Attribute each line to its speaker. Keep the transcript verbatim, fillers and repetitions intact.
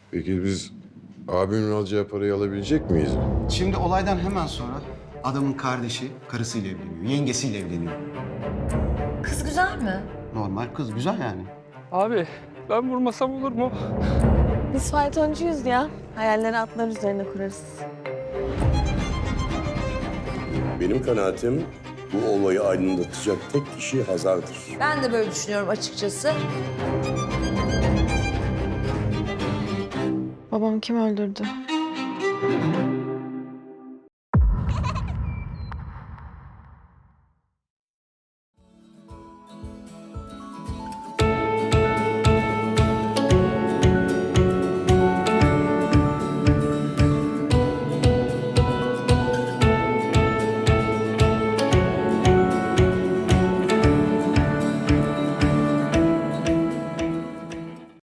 Speaker 1: Peki biz abimin alacağı parayı alabilecek miyiz?
Speaker 2: Şimdi olaydan hemen sonra adamın kardeşi karısıyla evleniyor, yengesiyle evleniyor.
Speaker 3: Kız güzel mi?
Speaker 2: Normal kız, güzel yani.
Speaker 4: Abi ben vurmasam olur mu?
Speaker 5: Biz faytoncuyuz ya. Hayalleri atlar üzerine kurarız.
Speaker 6: Benim kanaatim bu olayı aydınlatacak tek kişi Hazar'dır.
Speaker 3: Ben de böyle düşünüyorum açıkçası.
Speaker 5: Babamı kim öldürdü?